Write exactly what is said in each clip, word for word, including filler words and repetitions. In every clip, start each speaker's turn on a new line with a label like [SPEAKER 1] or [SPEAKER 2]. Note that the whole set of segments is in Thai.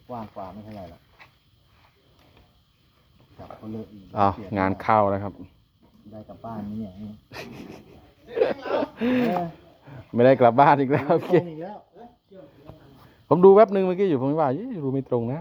[SPEAKER 1] กว้างกว่าไม่เท่าไหร่หรอกจับเขาเลิกอีก
[SPEAKER 2] อ้าวงานเข้าแล้วครับ
[SPEAKER 1] ได้กลับบ้านนี่เนี่ย
[SPEAKER 2] ไม่ได้กลับบ้านอีกแล้ว
[SPEAKER 1] โอ
[SPEAKER 2] โอ
[SPEAKER 1] เค
[SPEAKER 2] เค
[SPEAKER 1] อีกแล้ว
[SPEAKER 2] ผมดูแป๊บนึงเมื่อกี้อยู่ผมว่ายี่ดูไม่ตรงนะ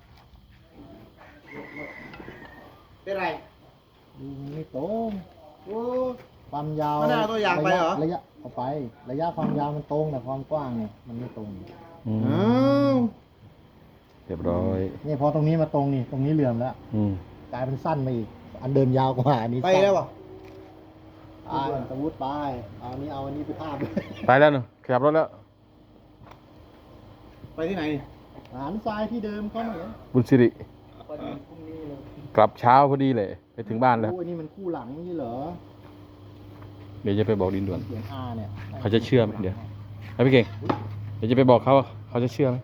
[SPEAKER 3] เป็นไร
[SPEAKER 1] ดูไม่ตรงโอ้ความยาว
[SPEAKER 3] มันเอาตัวอย่างไปเหรอ
[SPEAKER 1] ระยะเอาไป ระยะความยาวมันตรงแต่ความกว้างเนี่ยมันไม่ตรง
[SPEAKER 2] อืม
[SPEAKER 3] อ้าว
[SPEAKER 2] เรียบร้อย
[SPEAKER 1] นี่พอตรงนี้มาตรงนี่ตรงนี้เหลื่อมแล้ว
[SPEAKER 2] อืม
[SPEAKER 1] กลายเป็นสั้นไปอีก อันเดิมยาวกว่าอันนี้
[SPEAKER 3] ไป
[SPEAKER 1] สั้น
[SPEAKER 3] แล้วเหรอ
[SPEAKER 1] ไปสมมติไปเอาอันนี้เอาอันนี้ไปทาบ
[SPEAKER 2] ไปแล้วหนูขับรถแล้ว
[SPEAKER 3] ไปที่ไหน
[SPEAKER 1] หันซ้ายที่เดิมเขาเหรอ
[SPEAKER 2] บุญสิริ
[SPEAKER 1] พอดีพรุ่งนี้เลย
[SPEAKER 2] กลับเช้าพอดีเลย ไปถึงบ้านแล้ว
[SPEAKER 1] โอ้ยนี่มันคู่หลังนี่เหรอ
[SPEAKER 2] เดี๋ยวจะไปบอกดินด่วน
[SPEAKER 1] เขียน R เนี่ย
[SPEAKER 2] เขาจะเชื่อไหมเดี๋ยวให้พี่เก่ง เดี๋ยวจะไปบอกเขาว่าเขาจะเชื่อไหม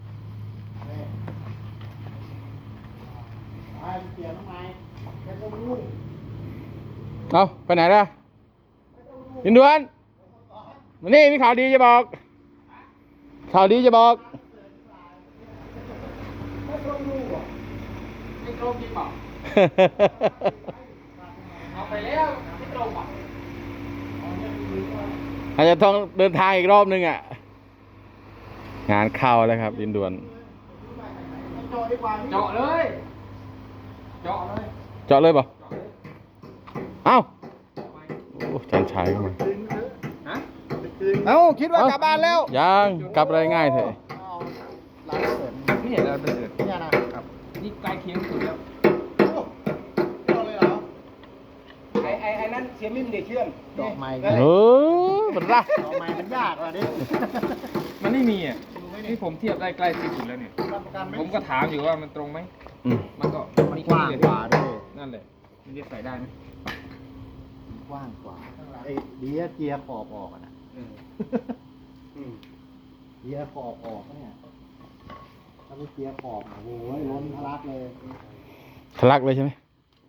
[SPEAKER 1] ไปเปลี่ยนทำไมไม่ต้องรู้
[SPEAKER 2] เอาไปไหนล่ะดินด่วนมานี่มีข่าวดีจะบอก ข่าวดีจะบอก
[SPEAKER 4] ไม่ตรงจริงเปล่าเอาไปแล้วไม่ตรงเปล่า
[SPEAKER 2] อาจจะต้องเดินทางอีกรอบนึงอ่ะ งานเข้าแล้วครับ ดินด่วน
[SPEAKER 4] เจาะเลย เจาะเลย
[SPEAKER 2] เจาะเลยเปล่าเอ้าโอ้จันชัยเข้ามา
[SPEAKER 4] ฮะ
[SPEAKER 3] เอ้าคิดว่ากลับบ้านแล้ว
[SPEAKER 2] ยังกลับอะไรง่ายเถอะ
[SPEAKER 1] เอาร้านเสริม
[SPEAKER 4] ไม่เห็นอะไรเป็นเดือด
[SPEAKER 1] เนี่ยนะครับ
[SPEAKER 4] นี่ใกล้เคียงสุดแล้ว
[SPEAKER 3] เอาเลยเหรอ
[SPEAKER 4] ไอ้ไอ้ไอ้นั่นเสียมิมเด็กเชื่อม
[SPEAKER 1] ดอกไม้
[SPEAKER 2] เออมันละ
[SPEAKER 1] ดอกไม้มันยากอ่ะดิ
[SPEAKER 4] มันไม่มีอ่ะนี่ผมเทียบได้ใกล้ที่สุดแล้วเนี่ย
[SPEAKER 1] รับประกันไหม
[SPEAKER 4] ผมก็ถามอยู่ว่ามันตรงไหม
[SPEAKER 2] อืม
[SPEAKER 4] มันก็
[SPEAKER 1] มันกว้างกว่าด้วย
[SPEAKER 4] นั่นแหละมันจะใส่ได้ไหม
[SPEAKER 1] มันกว้างกว่าไอ้เดียเจียขอบออกอะนะ
[SPEAKER 4] เออ
[SPEAKER 1] เจียขอบออกเนี่ยถ้าไม่เจียขอบโอ้โหล้นทะลักเลย
[SPEAKER 2] ทะลักเลยใช่ไหม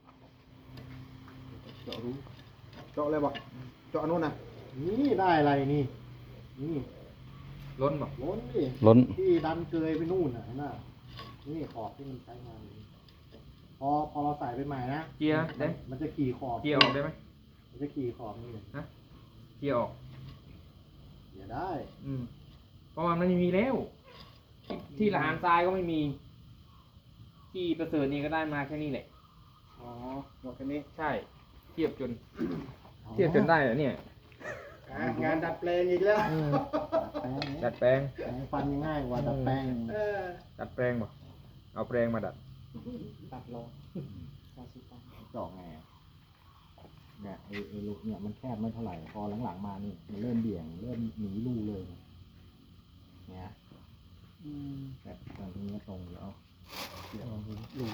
[SPEAKER 3] เจาะรู้เจาะเลยบอกเจาะนู่นน่ะ
[SPEAKER 1] นี่ได้อะไรนี่ นี่
[SPEAKER 4] ล้นบอก
[SPEAKER 1] ล้นดิ
[SPEAKER 2] ล้น
[SPEAKER 1] ที่ดันเกยไปนู่นน่ะเห็นไหมนี่ขอบที่มันใช้งานอยู่พอพอเราใส่ไปใหม่นะ
[SPEAKER 4] เกียร์ได้
[SPEAKER 1] มันจะขี่ขอบ
[SPEAKER 4] เกียร์ออกได้ไหม
[SPEAKER 1] มันจะขี่ขอบนี่เลย
[SPEAKER 4] ฮะเกียร์ออก
[SPEAKER 1] อย่าได้
[SPEAKER 4] อืมเพราะว่ามันไม่มีแล้ว ที่ที่ละหารทรายก็ไม่มี ที่ประเสริฐนี่ก็ได้มาแค่นี้แหละ
[SPEAKER 3] อ๋อหมดแค่นี้
[SPEAKER 4] ใช่ เทียบจน เทียบจนได้เหรอเนี่ย
[SPEAKER 3] อ่ะงานดัดแปลงอีกแล้ว
[SPEAKER 1] เออดัดแปลง
[SPEAKER 4] ดัดแปลง
[SPEAKER 1] แปลงฟันง่ายกว่าดัดแปลง
[SPEAKER 3] เออ
[SPEAKER 4] ดัดแปลงบอกเอาแปลงมาดัด
[SPEAKER 1] ตัดลงเจาะไงอะเนี่ยไอ้ไอ้ลูกเนี่ยมันแคบไม่เท่าไหร่พอหลังๆมานี่มันเริ่มเบี่ยงเริ่มหนีรูเลยเนี่ยแต่ตรงนี้ก็ตรงแล้วเดี๋ยวรู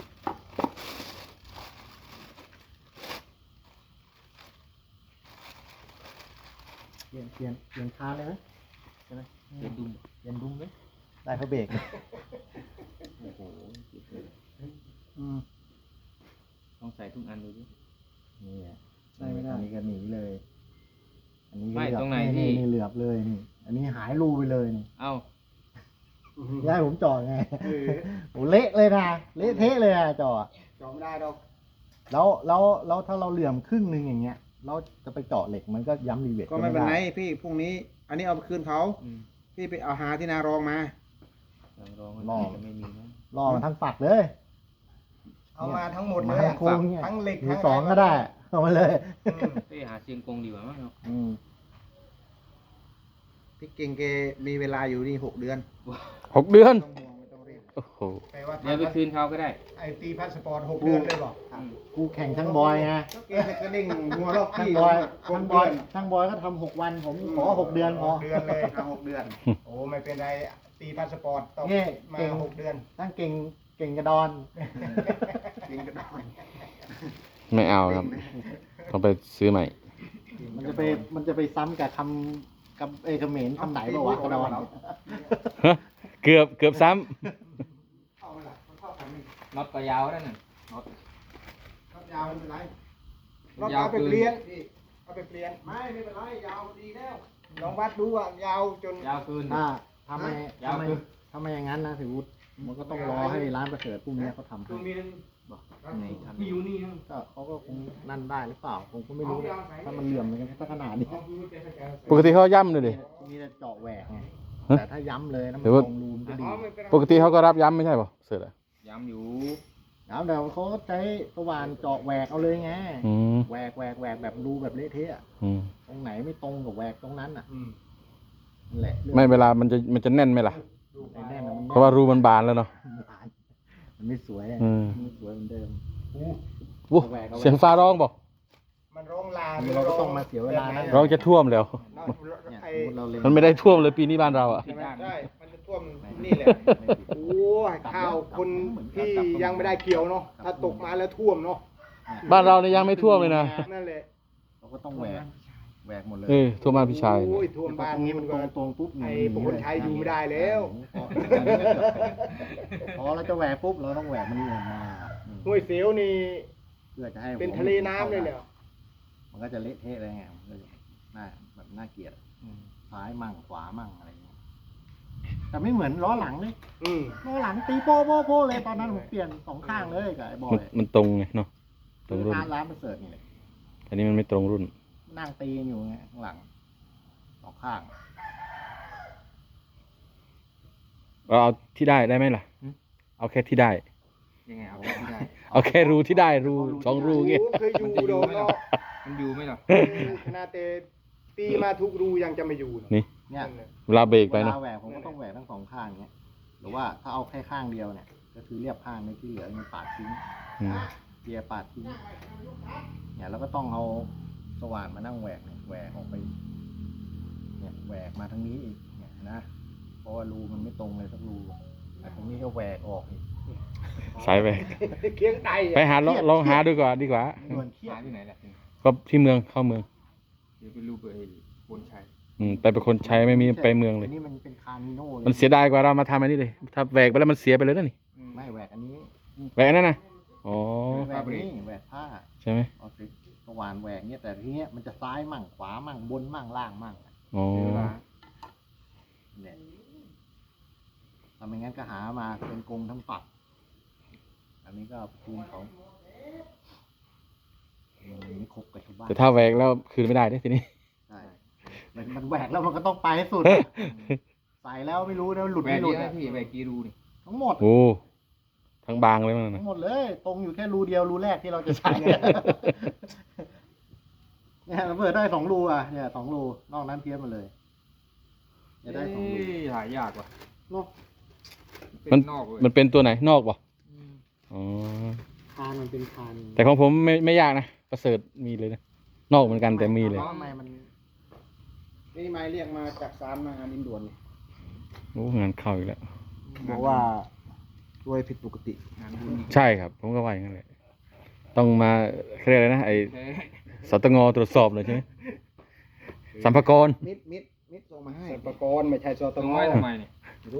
[SPEAKER 1] เปลี่ยนเปลี่ยนเปลี่ยนคานเลยไหมใช่ไหม
[SPEAKER 4] เดี๋ยวดู
[SPEAKER 1] เปลี่ยนดุมไหมได้เพราะเบรกโอ้โหอืม
[SPEAKER 4] ต้องใส่ทุกอันดูดิ
[SPEAKER 1] นี่อ่ะ
[SPEAKER 4] ใส่ไม่ได้
[SPEAKER 1] อันนี้ก็หนีเลย อันนี้ก็
[SPEAKER 4] ไม่
[SPEAKER 1] เหลือบ
[SPEAKER 4] ตรงไหนที่
[SPEAKER 1] นี่เหลือบเลยนี่ อันนี้หายรูไปเลยนี่
[SPEAKER 4] เอ้า
[SPEAKER 1] ย้ายผมจอดไงโอ้เละเลยนะเละเทะเลยอะจอด
[SPEAKER 3] เจาะไม่ได้ดอก
[SPEAKER 1] แล้วแล้วแล้วถ้าเราเหลื่อมครึ่งหนึ่งอย่างเงี้ย เราจะไปเจาะเหล็กมันก็ย้ำรีเวท
[SPEAKER 3] ก็ไม่เป็นไร
[SPEAKER 1] ด้
[SPEAKER 3] พี่พรุ่งนี้ อันนี้เอาไปคืนเขา
[SPEAKER 4] อืม
[SPEAKER 3] พี่ไปเอาหาที่นารองมา
[SPEAKER 4] ลองลองมันจะไม่มีนะ
[SPEAKER 1] รอมันทั้งฝักเลย
[SPEAKER 3] เอามาทั้งหมดเล
[SPEAKER 1] มาย ทั้ง
[SPEAKER 3] อะ
[SPEAKER 1] โครงเนี่ย
[SPEAKER 3] ทั้งเหล็ก
[SPEAKER 1] มื
[SPEAKER 3] ทั้
[SPEAKER 1] อง สอง
[SPEAKER 3] ะไร
[SPEAKER 1] ก็ได้เอามาเลย
[SPEAKER 4] ไปหาเชียงกงดีกว่ามั้งเนาะ
[SPEAKER 1] อืม
[SPEAKER 3] พี่เก่งแกมีเวลาอยู่นี่หกเดือน
[SPEAKER 2] หกเดือน
[SPEAKER 3] ไม่ต้องห่วงไม่ต้องรีบ
[SPEAKER 2] โอ้โห
[SPEAKER 3] แปลว่า
[SPEAKER 4] เดี๋ยวไปคืนเขาก็ได้
[SPEAKER 3] ไอตีพาสปอร์ตหกเดือนเลยบอก
[SPEAKER 4] อืม
[SPEAKER 1] กูแข่งทั้งบอยไง
[SPEAKER 3] เกมกระดิ่งหัวรอบ
[SPEAKER 1] ทั้ง
[SPEAKER 3] ที่
[SPEAKER 1] บอย
[SPEAKER 3] ห
[SPEAKER 1] ทั้
[SPEAKER 3] ก
[SPEAKER 1] งบ
[SPEAKER 3] เดื
[SPEAKER 1] อ
[SPEAKER 3] อย น
[SPEAKER 1] ทั้งบอยก็ทำหกวัน ผมขอหกเดือนพอ
[SPEAKER 3] หกเดือนเลยเอาหกเดือน โอ้ไม่เป็นไรตีพาสปอร์ตต้อง
[SPEAKER 1] นี่
[SPEAKER 3] มา
[SPEAKER 1] เก่ง
[SPEAKER 3] หกเดือน
[SPEAKER 1] ทั้งเก่งเก่งกระดอน
[SPEAKER 3] ยิงกระดอน
[SPEAKER 2] ไม่เอาครับ ต้องไปซื้อใหม่
[SPEAKER 1] มันจะไปมันจะไปซ้ำกับคำกับเอยเขมรคำไหนบ้างวะกระดอน
[SPEAKER 2] เกือบเกือบซ้
[SPEAKER 3] เข้ามาละมันเข้ากันนี่
[SPEAKER 4] น็อตก็ยาวแล้วนั่นน็อต
[SPEAKER 3] ครับยาวไม่เป็นไรเรา
[SPEAKER 4] ยาว
[SPEAKER 3] เอาไป
[SPEAKER 4] เกิน
[SPEAKER 3] เปลี่ยนพี่เอาไปเปลี่ยนไม่ไม่เป็นไรยาวดีแล้วลองวัดดูว่ายาวจน
[SPEAKER 4] ยาวเกิน
[SPEAKER 1] ถ้าทำไม
[SPEAKER 4] ยาว
[SPEAKER 1] ทำไม
[SPEAKER 4] คือ
[SPEAKER 1] ทำไมอย่างนั้นนะถือวุฒิมันก็ต้องรอให้ร้านประเสริฐพวกเนี้ยเขาทำให้
[SPEAKER 3] ตัวเมียน
[SPEAKER 1] บอกไงทำ
[SPEAKER 3] มีอยู่นี่นะ
[SPEAKER 1] ก็เขาก็คงนั่นได้หรือเปล่าผมก็ไม่รู้นะถ้ามันเหลื่อมมันก็ขนาดนี้
[SPEAKER 2] ปกติเขาย่ำเลยดิ
[SPEAKER 1] มีแต่เจาะแหวกไง
[SPEAKER 2] ฮะ
[SPEAKER 1] แต่ถ้าย้ำเลยนะมัน
[SPEAKER 2] หรือว่า
[SPEAKER 1] ตรงรูมนก็ดี
[SPEAKER 2] ปกติเขาก็รับย้ำไม่ใช่ป่ะเสร็จแล้ว
[SPEAKER 4] ย้ำอยู่
[SPEAKER 1] แล้วเดี๋ยวเขาก็ใช้สว่านเจาะแหวกเอาเลยไง
[SPEAKER 2] อืม
[SPEAKER 1] แหวกแหวกแหวกแบบรูแบบเละเทะอะ
[SPEAKER 2] อืม
[SPEAKER 1] ตรงไหนไม่ตรงกับแหวกตรงนั้นอ่ะ
[SPEAKER 3] อืม
[SPEAKER 1] นั่นแหละ
[SPEAKER 2] ไม่เวลามันจะมันจะแน่นไหมล่ะ
[SPEAKER 1] ไอ้แน่นน่ะมัน
[SPEAKER 2] เพราะว่ารูมันบานแล้วเนาะ
[SPEAKER 1] มันไม่สวยอะ
[SPEAKER 2] อืม
[SPEAKER 1] มันไม่สวยเหมือนเดิม
[SPEAKER 2] วู้เสียงฟ้าร้องบอก
[SPEAKER 3] มันร้องลา
[SPEAKER 1] เราก็ต้องมาเสียเวลานะ
[SPEAKER 2] ร้องจะท่วมแล้ว
[SPEAKER 1] เนี่ย
[SPEAKER 3] ไอ้
[SPEAKER 1] สมมุติเราเล็ง
[SPEAKER 2] มันไม่ได้ท่วมเลยปีนี้บ้านเราอ่ะ
[SPEAKER 3] ใช่ไหมใช่มันจะท่วมนี่แหละ โอ้ยข้าวคนที่ยังไม่ได้เกี่ยวเนาะ ถ้าตกมาแล้วท่วมเนาะ
[SPEAKER 2] บ้านเราเนี่ยยังไม่ท่วมเลยนะ
[SPEAKER 3] นั่นแหละ
[SPEAKER 1] เราก็ต้องแหวกแหวกหมดเลย
[SPEAKER 2] เออท่วมบ้านพี่ชาย
[SPEAKER 3] โอ้ยท่วมบ้าน
[SPEAKER 1] ตรงนี้
[SPEAKER 3] นี้
[SPEAKER 1] มั
[SPEAKER 3] มัน น
[SPEAKER 1] ต
[SPEAKER 3] ก็
[SPEAKER 1] รงตรงปุ๊บ
[SPEAKER 3] ไอ้พวกคนไทยอยู่ไม่ได้แล้ว
[SPEAKER 1] พอเราจะแหวกปุ๊บเราต้องแหวกมันลงมา
[SPEAKER 3] ห้วยเสียวนี่
[SPEAKER 1] เพื่อจะให้
[SPEAKER 3] เป็นทะเลน้ำเลยเนี่ย
[SPEAKER 1] มันก็จะเละเทะเลยไงมันก็จะน่าแบบน่าเกลียดซ้ายมั่งขวามั่งอะไรอย่างเงี้ยแต่ไม่เหมือนล้อหลังเลย
[SPEAKER 3] อืม
[SPEAKER 1] ล้อหลังตีโป้โป้โป้เลยตอนนั้นผมเปลี่ยนสองข้างเลยกับไอ้บอ
[SPEAKER 2] มัน
[SPEAKER 1] ย
[SPEAKER 2] มันตรงไงเนาะตร
[SPEAKER 1] คื
[SPEAKER 2] ง
[SPEAKER 1] อ
[SPEAKER 2] รุ่น
[SPEAKER 1] ร้านร้านประเสริฐนี่แหละ
[SPEAKER 2] อันนี้มันไม่ตรงรุ่น
[SPEAKER 1] นั่งตีกันอยู่ไงข้างหลังสองข้าง
[SPEAKER 2] เราเอาที่ได้ได้ไหมล่ะ เอาแค่ที่ได้
[SPEAKER 4] ยังไงเอาไม่ได้
[SPEAKER 2] เอาแค่รูที่ได้รูสองรูเงี้ย
[SPEAKER 3] โอ้เคยอยู่โดนเนาะ
[SPEAKER 4] มันอยู่ไหมล่ะ
[SPEAKER 3] ขนาดแต่ตีมาทุกรูยังจะไม่อยู่เนอะ
[SPEAKER 2] นี่
[SPEAKER 1] เนี่ย
[SPEAKER 3] นั่นแหละ
[SPEAKER 2] เวลาเบรกไป
[SPEAKER 1] เว
[SPEAKER 2] เนาะ
[SPEAKER 1] ลาแหวกผมก็ต้องแหวกทั้งสองข้างเงี้ยหรือว่าถ้าเอาแค่ข้างเดียวเนี่ย ก็คือเรียบข้างในที่เหลือมันปาดทิ้ง
[SPEAKER 2] อืม
[SPEAKER 1] เกียร์ปาดทิ้งเนี่ยแล้วก็ต้องเอาสว่านมานั่งแหวกเนี่ยแหวกออกไปเนี่ยแหวกมาทางนี้อีกเนี่ยนะเพราะว่ารูมันไม่ตรงเลยสักรูแต่ตรงนี้ก็แหวกออกอีก
[SPEAKER 2] สายไป
[SPEAKER 3] เคียงไต
[SPEAKER 2] ไปหาลองลองหาดูก่อนดีกว่า
[SPEAKER 1] เหมือนเครีย
[SPEAKER 4] หา
[SPEAKER 1] ด
[SPEAKER 4] ที่ไหนล่ะ
[SPEAKER 2] ก็ที่เมืองเข้าเมือง
[SPEAKER 4] เดี๋ยวไปรูปไอ้บนชัย
[SPEAKER 2] อืมไปเป็นคนใช้ไม่มีไปเมืองเลย
[SPEAKER 1] นนี่มันเป็นคาร์มิโน่เลย
[SPEAKER 2] มันเสียดายกว่าเรามาทำอันนี้เลย ถ้าแหวกไปแล้วมันเสียไปเลยนะนี่
[SPEAKER 1] ไม่แหวกอันนี้
[SPEAKER 2] แหวกอันนั่นนะอ๋อ
[SPEAKER 1] แหวกนี่แหวกผ้า
[SPEAKER 2] ใช่ไหม
[SPEAKER 1] เอาสิสว่านแหวกเนี่ยแต่ทีเนี้ยมันจะซ้ายมั่งขวามั่งบนมั่งล่างมั่ง
[SPEAKER 2] อ๋อ
[SPEAKER 4] เวลา
[SPEAKER 1] เนี่ยทำไม่งั้นก็หามาเป็นกลมทั้งปักอันนี้ก็เอาไปคืนเขามันไม่ครบกับชาวบ้าน
[SPEAKER 2] แต่ถ้าแหวกแล้วคืนไม่ได้เด้ทีนี้
[SPEAKER 1] ใช่มันมันแหวกแล้วมันก็ต้องไปให้สุด ใส่แล้วไม่รู้นะหลุด
[SPEAKER 4] แหว
[SPEAKER 1] ไม่
[SPEAKER 4] ก
[SPEAKER 1] หลุ
[SPEAKER 4] เย
[SPEAKER 1] ด
[SPEAKER 4] อะ
[SPEAKER 1] อะ
[SPEAKER 4] นะพี่แหวกกี่รูนี่
[SPEAKER 1] ทั้งหมด
[SPEAKER 2] โอ้ทั้งบางเลยมัน
[SPEAKER 1] ทั้
[SPEAKER 2] นะ
[SPEAKER 1] งหมดเลย ตรงอยู่แค่รูเดียวรูแรกที่เราจะใช้ เนี่ยเราเปิดได้สองรูอ่ะเนี่ยสองรูนอกนั้นเพี้ยนมาเลยจะได้สองรู
[SPEAKER 4] เอ้ยหายากว่ะ
[SPEAKER 1] เนาะ
[SPEAKER 4] เป็น
[SPEAKER 2] มัน
[SPEAKER 4] นอกเลย
[SPEAKER 2] มันเป็นตัวไหนนอกป่ะอ๋อ
[SPEAKER 1] คานมันเป็นคาน
[SPEAKER 2] แต่ของผมไม่ไม่ยากนะประเสริฐมีเลยนะนอกเหมือนกันแต่มีเลย
[SPEAKER 1] ทำไมมันนี่ไม้เรียกมาจากซานมางานอินด่วน
[SPEAKER 2] โอ้งานเข้าอีกแล้ว
[SPEAKER 1] บอกว่าด้วยผิดปกติ
[SPEAKER 4] งานบุญ
[SPEAKER 2] ใช่ครับ ผมก็ว่าอย่างนั้นเลยต้องมาเขาเรียกอะไรนะไอ
[SPEAKER 4] แท้
[SPEAKER 2] สตงตรวจสอบเลยใช่ไหมสัมภากร
[SPEAKER 1] มิดมิดมิดส่งมาให้
[SPEAKER 3] สัปกรไม่ใช่สต
[SPEAKER 4] ต้อง
[SPEAKER 3] ง
[SPEAKER 4] ไว้ทำไมเนี่ย
[SPEAKER 1] รู้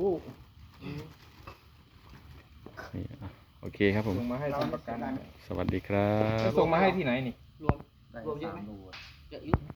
[SPEAKER 2] นี่อ่ะโอเคครับผม
[SPEAKER 4] ส่งมาให้ทำประกัน
[SPEAKER 2] สวัสดีครับ
[SPEAKER 4] แล้วส่งมาให้ที่ไหนนี่
[SPEAKER 1] ได้สามรู